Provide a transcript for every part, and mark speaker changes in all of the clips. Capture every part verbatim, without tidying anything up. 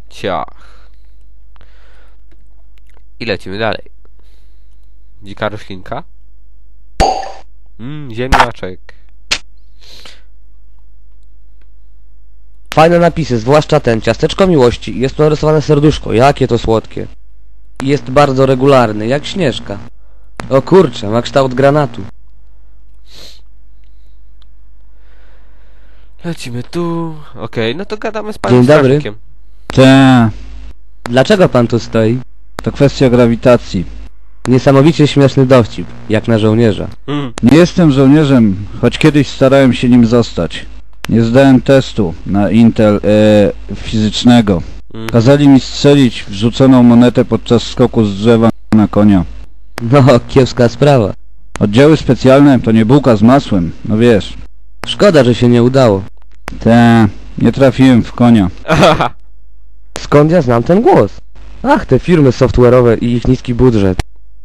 Speaker 1: Ciach. I lecimy dalej. Dzika roślinka. Mmm, ziemniaczek.
Speaker 2: Fajne napisy, zwłaszcza ten, ciasteczko miłości. Jest tu narysowane serduszko, jakie to słodkie. I jest bardzo regularny, jak Śnieżka. O kurczę, ma kształt granatu.
Speaker 1: Lecimy tu. Okej, okay, no to gadamy z panem
Speaker 2: Dzień dobry.
Speaker 1: strażnikiem.
Speaker 3: Te,
Speaker 2: Dlaczego pan tu stoi?
Speaker 3: to kwestia grawitacji.
Speaker 2: Niesamowicie śmieszny dowcip, jak na żołnierza.
Speaker 1: Mm.
Speaker 3: Nie jestem żołnierzem, choć kiedyś starałem się nim zostać. Nie zdałem testu na Intel e, fizycznego.
Speaker 1: Mm.
Speaker 3: Kazali mi strzelić wrzuconą monetę podczas skoku z drzewa na konia.
Speaker 2: No, kiepska sprawa.
Speaker 3: Oddziały specjalne to nie bułka z masłem, no wiesz.
Speaker 2: Szkoda, że się nie udało.
Speaker 3: Te, nie trafiłem w konia.
Speaker 2: Skąd ja znam ten głos? Ach, te firmy software'owe i ich niski budżet.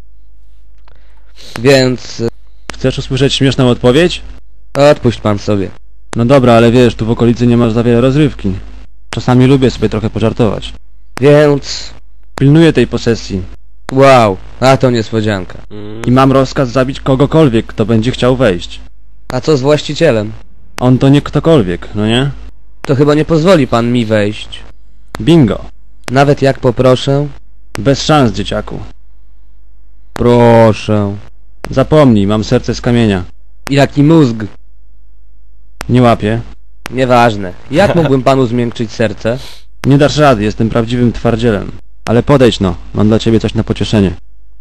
Speaker 2: Więc...
Speaker 4: Chcesz usłyszeć śmieszną odpowiedź?
Speaker 2: odpuść pan sobie.
Speaker 4: No dobra, ale wiesz, tu w okolicy nie masz za wiele rozrywki. Czasami lubię sobie trochę pożartować.
Speaker 2: Więc...
Speaker 4: Pilnuję tej posesji
Speaker 2: wow, a to niespodzianka.
Speaker 1: Mm.
Speaker 4: i mam rozkaz zabić kogokolwiek, kto będzie chciał wejść.
Speaker 2: A co z właścicielem?
Speaker 4: On to nie ktokolwiek, no nie?
Speaker 2: To chyba nie pozwoli pan mi wejść.
Speaker 4: Bingo.
Speaker 2: Nawet jak poproszę?
Speaker 4: Bez szans, dzieciaku.
Speaker 2: Proszę.
Speaker 4: Zapomnij, mam serce z kamienia.
Speaker 2: Jaki mózg?
Speaker 4: Nie łapię.
Speaker 2: Nieważne. Jak mógłbym panu zmiękczyć serce?
Speaker 4: Nie dasz rady, jestem prawdziwym twardzielem. Ale podejdź no, mam dla ciebie coś na pocieszenie.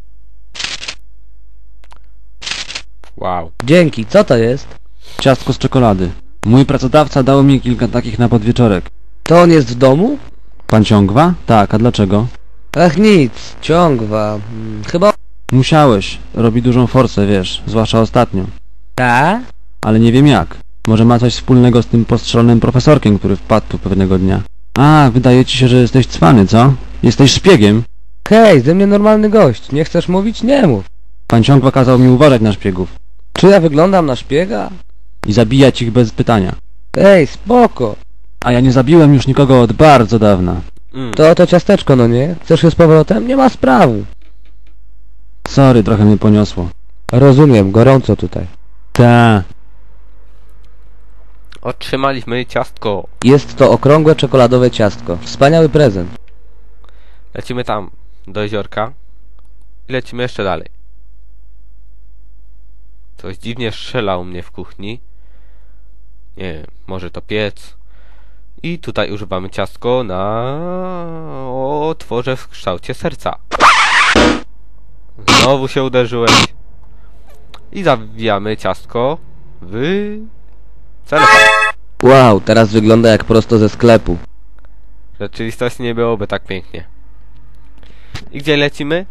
Speaker 1: Wow.
Speaker 2: Dzięki, co to jest?
Speaker 4: Ciastko z czekolady. Mój pracodawca dał mi kilka takich na podwieczorek.
Speaker 2: To on jest w domu?
Speaker 4: Pan ciągwa? Tak, a dlaczego?
Speaker 2: Ach nic, ciągwa. Hmm, chyba...
Speaker 4: Musiałeś. Robi dużą forsę, wiesz, zwłaszcza ostatnio.
Speaker 2: Ta?
Speaker 4: Ale nie wiem jak. Może ma coś wspólnego z tym postrzelonym profesorkiem, który wpadł tu pewnego dnia. A, wydaje ci się, że jesteś cwany, co? Jesteś szpiegiem.
Speaker 2: Hej, ze mnie normalny gość. Nie chcesz mówić? Nie mów.
Speaker 4: Pan ciągwa kazał mi uważać na szpiegów.
Speaker 2: Czy ja wyglądam na szpiega?
Speaker 4: I zabijać ich bez pytania.
Speaker 2: Ej, spoko.
Speaker 4: A ja nie zabiłem już nikogo od bardzo dawna.
Speaker 1: Mm.
Speaker 2: To oto ciasteczko, no nie? Chcesz je z powrotem? Nie ma sprawy.
Speaker 4: Sorry, trochę mnie poniosło.
Speaker 2: Rozumiem, gorąco tutaj.
Speaker 4: Ta.
Speaker 1: Otrzymaliśmy ciastko.
Speaker 2: Jest to okrągłe czekoladowe ciastko. Wspaniały prezent.
Speaker 1: Lecimy tam, do jeziorka. I lecimy jeszcze dalej. Coś dziwnie strzela u mnie w kuchni. Nie wiem, może to piec. I tutaj używamy ciastko na otworze w kształcie serca. Znowu się uderzyłeś. I zawijamy ciastko w celofan.
Speaker 2: Wow, teraz wygląda jak prosto ze sklepu.
Speaker 1: W rzeczywistości nie byłoby tak pięknie. I gdzie lecimy?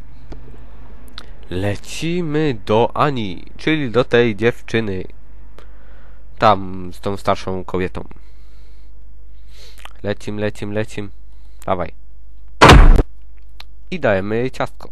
Speaker 1: Lecimy do Ani, czyli do tej dziewczyny. Tam, z tą starszą kobietą. Lecim, lecim, lecim. Dawaj. I dajemy jej ciastko.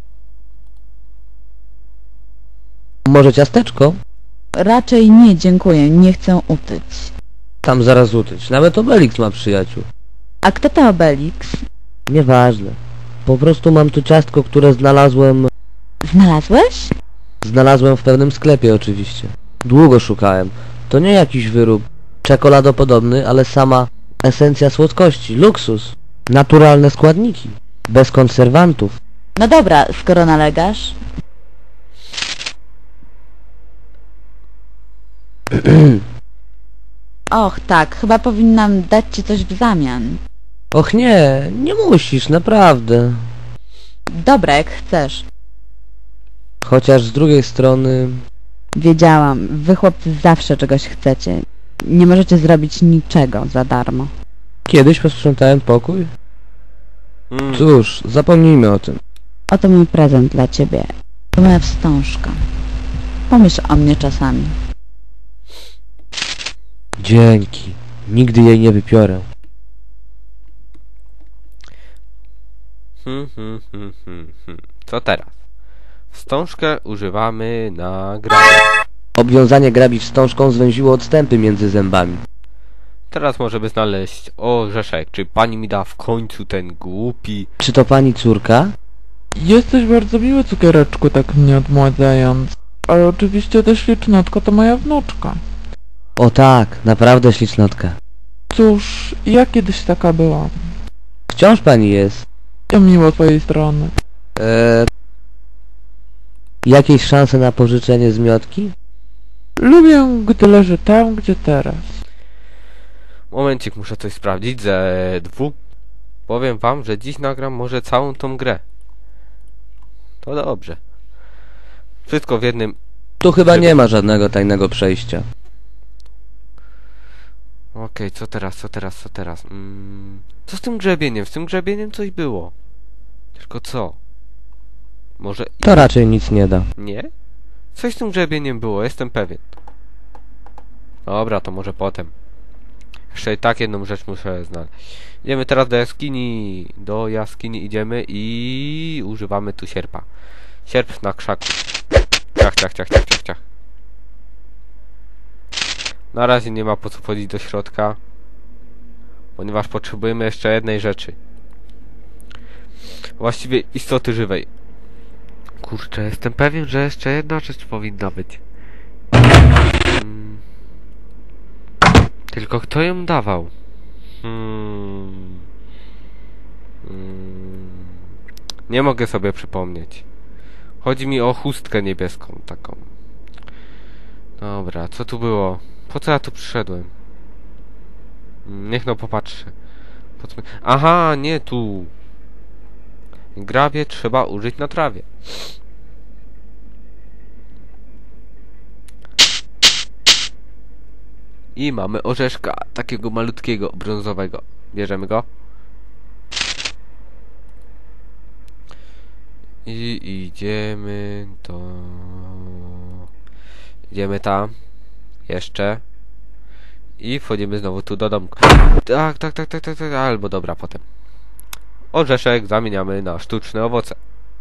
Speaker 2: Może ciasteczko?
Speaker 5: Raczej nie, dziękuję, nie chcę utyć.
Speaker 2: Tam zaraz utyć. Nawet Obelix ma przyjaciół.
Speaker 5: A kto to Obelix?
Speaker 2: Nieważne. Po prostu mam tu ciastko, które znalazłem...
Speaker 5: Znalazłeś?
Speaker 2: Znalazłem w pewnym sklepie oczywiście. Długo szukałem. To nie jakiś wyrób czekoladopodobny, ale sama esencja słodkości, luksus. Naturalne składniki. Bez konserwantów.
Speaker 5: No dobra, skoro nalegasz. Och tak, chyba powinnam dać ci coś w zamian.
Speaker 2: Och nie, nie musisz, naprawdę.
Speaker 5: Dobra, jak chcesz.
Speaker 2: Chociaż z drugiej strony...
Speaker 5: Wiedziałam, wy chłopcy zawsze czegoś chcecie. Nie możecie zrobić niczego za darmo.
Speaker 2: Kiedyś posprzątałem pokój?
Speaker 1: Mm.
Speaker 2: Cóż, zapomnijmy o tym.
Speaker 5: Oto mój prezent dla ciebie. To moja wstążka. Pomyśl o mnie czasami.
Speaker 2: Dzięki. Nigdy jej nie wypiorę.
Speaker 1: Hmm, hmm, hmm, hmm, hmm. Co teraz? Wstążkę używamy na grabie.
Speaker 2: Obwiązanie grabi wstążką zwęziło odstępy między zębami.
Speaker 1: Teraz możemy znaleźć orzeszek. Czy pani mi da w końcu ten głupi...
Speaker 2: Czy to pani córka?
Speaker 6: Jesteś bardzo miły, cukiereczku, tak mnie odmładzając. Ale oczywiście też ślicznotka to moja wnuczka.
Speaker 2: O tak, naprawdę ślicznotka.
Speaker 6: Cóż, ja kiedyś taka byłam.
Speaker 2: Wciąż pani jest.
Speaker 6: To miło z twojej strony.
Speaker 2: Eee... Jakieś szanse na pożyczenie zmiotki?
Speaker 6: Lubię, gdy leży tam, gdzie teraz.
Speaker 1: Momencik, muszę coś sprawdzić. Ze dwu. Powiem wam, że dziś nagram może całą tą grę. To dobrze. Wszystko w jednym...
Speaker 2: Tu chyba nie ma żadnego tajnego przejścia.
Speaker 1: Okej, okay, co teraz, co teraz, co teraz? Mm, co z tym grzebieniem? Z tym grzebieniem coś było. Tylko co? Może...
Speaker 2: To raczej nic nie da.
Speaker 1: Nie? Coś z tym grzebieniem było, jestem pewien. Dobra, to może potem. Jeszcze i tak jedną rzecz muszę znaleźć. Idziemy teraz do jaskini. Do jaskini idziemy i używamy tu sierpa. Sierp na krzaku. Ciach, ciach, ciach, ciach, ciach, ciach. Na razie nie ma po co wchodzić do środka, ponieważ potrzebujemy jeszcze jednej rzeczy. Właściwie istoty żywej. Kurczę, jestem pewien, że jeszcze jedna rzecz powinna być. Hmm. Tylko kto ją dawał? Hmm. Hmm. Nie mogę sobie przypomnieć. Chodzi mi o chustkę niebieską taką. Dobra, co tu było? Po co ja tu przyszedłem? Niech no popatrzy. Po co... Aha, nie tu. Grabie trzeba użyć na trawie. I mamy orzeszka, takiego malutkiego, brązowego. Bierzemy go. I idziemy do... Idziemy tam. Jeszcze. I wchodzimy znowu tu do domku. Tak, tak, tak, tak, tak, tak. Albo dobra, potem. Orzeszek zamieniamy na sztuczne owoce.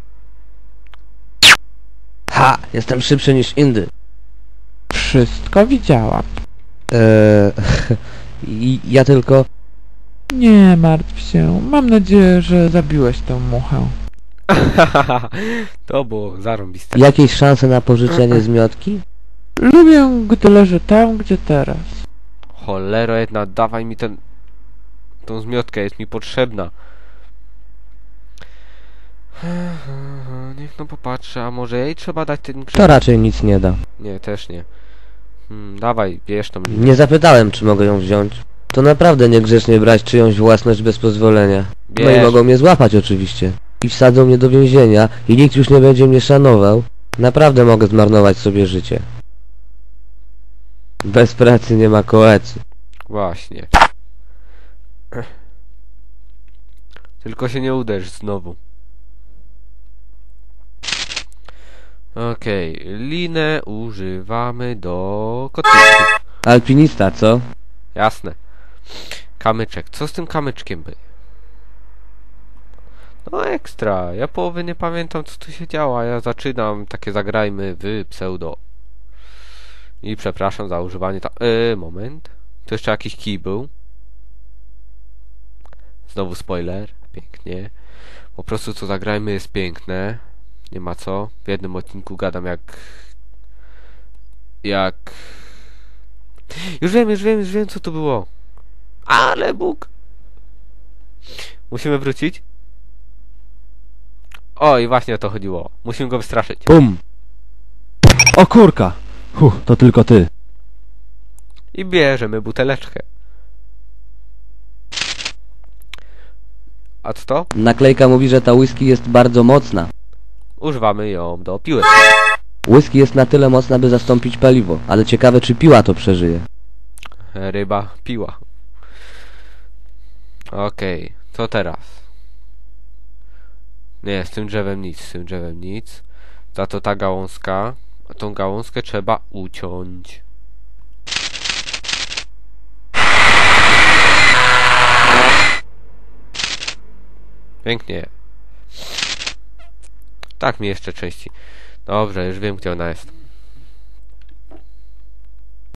Speaker 2: Ha! Jestem szybszy niż indy.
Speaker 6: Wszystko widziałam.
Speaker 2: Eee... ja tylko...
Speaker 6: Nie martw się. Mam nadzieję, że zabiłeś tę muchę.
Speaker 1: To było zarąbiste.
Speaker 2: Jakieś szanse na pożyczenie zmiotki?
Speaker 6: Lubię, gdy leży tam, gdzie teraz.
Speaker 1: Cholero jedna, dawaj mi ten... tą zmiotkę, jest mi potrzebna. Niech no popatrzy, a może jej trzeba dać ten grzech?
Speaker 2: To raczej nic nie da.
Speaker 1: Nie, też nie. Hmm, dawaj, bierz tą...
Speaker 2: Nie zapytałem, czy mogę ją wziąć. To naprawdę niegrzecznie brać czyjąś własność bez pozwolenia. No i
Speaker 1: Bierz.
Speaker 2: mogą mnie złapać oczywiście. I wsadzą mnie do więzienia i nikt już nie będzie mnie szanował. Naprawdę mogę zmarnować sobie życie. Bez pracy nie ma koecy.
Speaker 1: Właśnie. Tylko się nie uderz znowu. Okej, okay. Linę używamy do kotwiczki.
Speaker 2: Alpinista, co?
Speaker 1: Jasne. Kamyczek. Co z tym kamyczkiem by? No ekstra. Ja połowy nie pamiętam, co tu się działo. Ja zaczynam takie zagrajmy w pseudo. I przepraszam za używanie ta... Yy, moment. Tu jeszcze jakiś kij był. Znowu spoiler. Pięknie. Po prostu co zagrajmy jest piękne. Nie ma co. W jednym odcinku gadam jak... Jak... Już wiem, już wiem, już wiem co to było. Ale Bóg! Musimy wrócić? O, i właśnie o to chodziło. Musimy go wystraszyć.
Speaker 4: Bum! O kurka! Huh, to tylko ty.
Speaker 1: I bierzemy buteleczkę. A co to?
Speaker 2: Naklejka mówi, że ta whisky jest bardzo mocna.
Speaker 1: Używamy ją do piły.
Speaker 2: Whisky jest na tyle mocna, by zastąpić paliwo. Ale ciekawe, czy piła to przeżyje.
Speaker 1: Ryba piła. Okej, okay. Co teraz? Nie, z tym drzewem nic, z tym drzewem nic. Za to ta gałązka. A tą gałązkę trzeba uciąć. Pięknie. Tak mi jeszcze części. Dobrze, już wiem, gdzie ona jest.